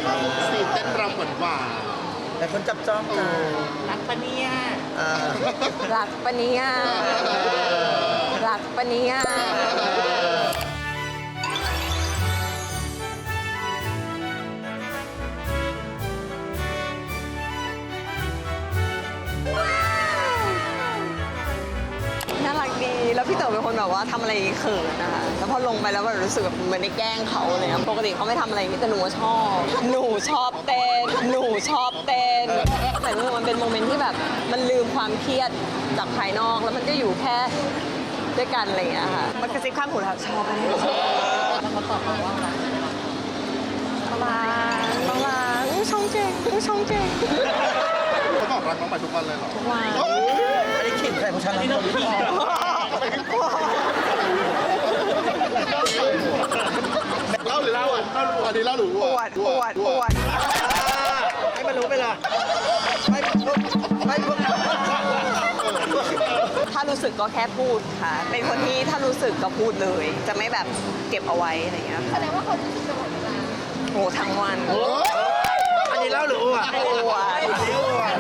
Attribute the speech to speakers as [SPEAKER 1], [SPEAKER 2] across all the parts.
[SPEAKER 1] ซีนเต้นรำหวาน
[SPEAKER 2] แต่คนจับจ้องกัน
[SPEAKER 3] รักปะเนี่ย
[SPEAKER 4] รักปะเนี่ยรักปะเนี่ยน่ารักดีแล้วพี่เต๋อเป็นคนแบบว่าทำอะไรเขินนะคะแล้วพอลงไปแล้วแบบรู้สึกแบบเหมือนได้แกล้งเขาเลยนะปกติเขาไม่ทำอะไรอย่างนี้แต่หนูชอบเต้นหนูชอบเต้นแต่มันเป็นโมเมนต์ที่แบบมันลืมความเครียดจากภายนอกแล้วมันก็อยู่แค่ด้วยกันอะไรอย่างเงี้ยค่ะมันกระซิบข้างหูเราชอบอะไร
[SPEAKER 3] แล้วเขาตอบมาว่าอะไร
[SPEAKER 4] ประมาณอู้ช่องเจ๋งอู้ช่องเจ๋ง
[SPEAKER 1] ๆเขาบอกรักน้องไปทุกวันเลยเหรอ
[SPEAKER 4] ทุกวัน
[SPEAKER 2] อันนี้ขิดใครของฉันนะ
[SPEAKER 1] เล่าหรือเล่าอ่ะอันนี้เล่าหรือ
[SPEAKER 4] ปวด
[SPEAKER 2] ให้มันรู้ไปเลยไม่
[SPEAKER 4] ถ้ารู้สึกก็แค่พูดค่ะ เป็นคนที่ถ้ารู้สึกก็พูดเลย จะไม่แบบเก็บเอาไว้อะไรอย่างเงี้ย
[SPEAKER 3] แสดงว่าเขารู้สึกตลอดเวลา
[SPEAKER 4] โอ้ทั้งวัน
[SPEAKER 2] อันนี้เล่าหรืออ้วก
[SPEAKER 4] ปวด
[SPEAKER 2] อันนี้อ้วก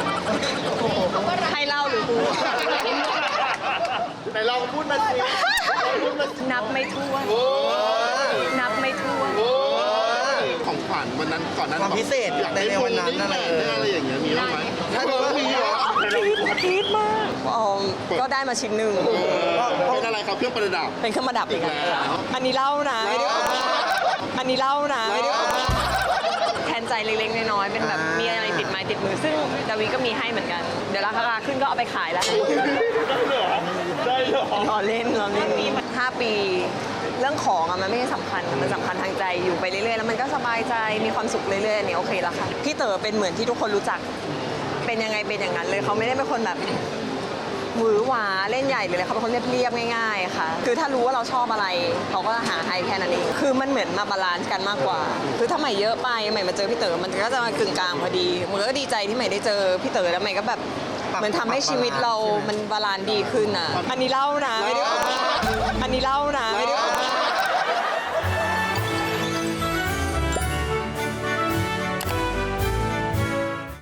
[SPEAKER 4] ให้เล่าหรือพูด
[SPEAKER 1] ไหนลองพูดมาสิ
[SPEAKER 4] นับไม่ถ้วน นับไม่ถ้วน
[SPEAKER 1] ของขวัญวันนั้นก่อนนั้น
[SPEAKER 2] ความพิเศษ
[SPEAKER 1] อยากได้
[SPEAKER 2] ในวันนั้นอะไร
[SPEAKER 1] อะไรอย่างเงี้ยมีบ้างไหม
[SPEAKER 2] ถ้าดูว่ามี
[SPEAKER 1] เหรอ
[SPEAKER 4] คิดมากก็ได้มาชิ้นหนึ่ง
[SPEAKER 1] เป็นอะไรครับเครื่องประดับ
[SPEAKER 4] เป็นเครื่องประดับอีก
[SPEAKER 1] อีกแล้
[SPEAKER 4] แล้ว
[SPEAKER 1] ว
[SPEAKER 4] อันนี้เล่านะไม่ได้อันนี้เล่านะไม่ได้แทนใจเล็กๆน้อยๆเป็นแบบมีอะไรติดไม้ติดมือ ซึ่งดาวิก็มีให้เหมือนกัน เดี๋ยวราคาขึ้นก็เอาไปขายแล้ว
[SPEAKER 1] ได้เหรอ
[SPEAKER 4] รอเล่นมี5 ปี เรื่องของอะมันไม่ใช่สำคัญมันสำคัญทางใจอยู่ไปเรื่อยๆแล้วมันก็สบายใจมีความสุขเรื่อยๆอันนี้โอเคแล้วค่ะพี่เต๋อเป็นเหมือนที่ทุกคนรู้จักเป็นยังไงเป็นอย่างนั้นเลยเขาไม่ได้เป็นคนแบบหวือหวาเล่นใหญ่หรืออะไรเขาเป็นคนเรียบๆง่ายๆค่ะคือถ้ารู้ว่าเราชอบอะไรเขาก็หาให้แค่นั้นเองคือมันเหมือนมาบาลานซ์กันมากกว่า คือถ้าใหม่เยอะไปใหม่มาเจอพี่เต๋อมันก็จะมากึ่งกลางพอดีมันก็ดีใจที่ใหม่ได้เจอพี่เต๋อแล้วใหม่ก็แบบเหมือนทำให้ชีวิตเรามันบาลานซ์ดีขึ้นอ่ะอันนี้เล่านะไม่ได้อันนี้เล่านะไม่ได้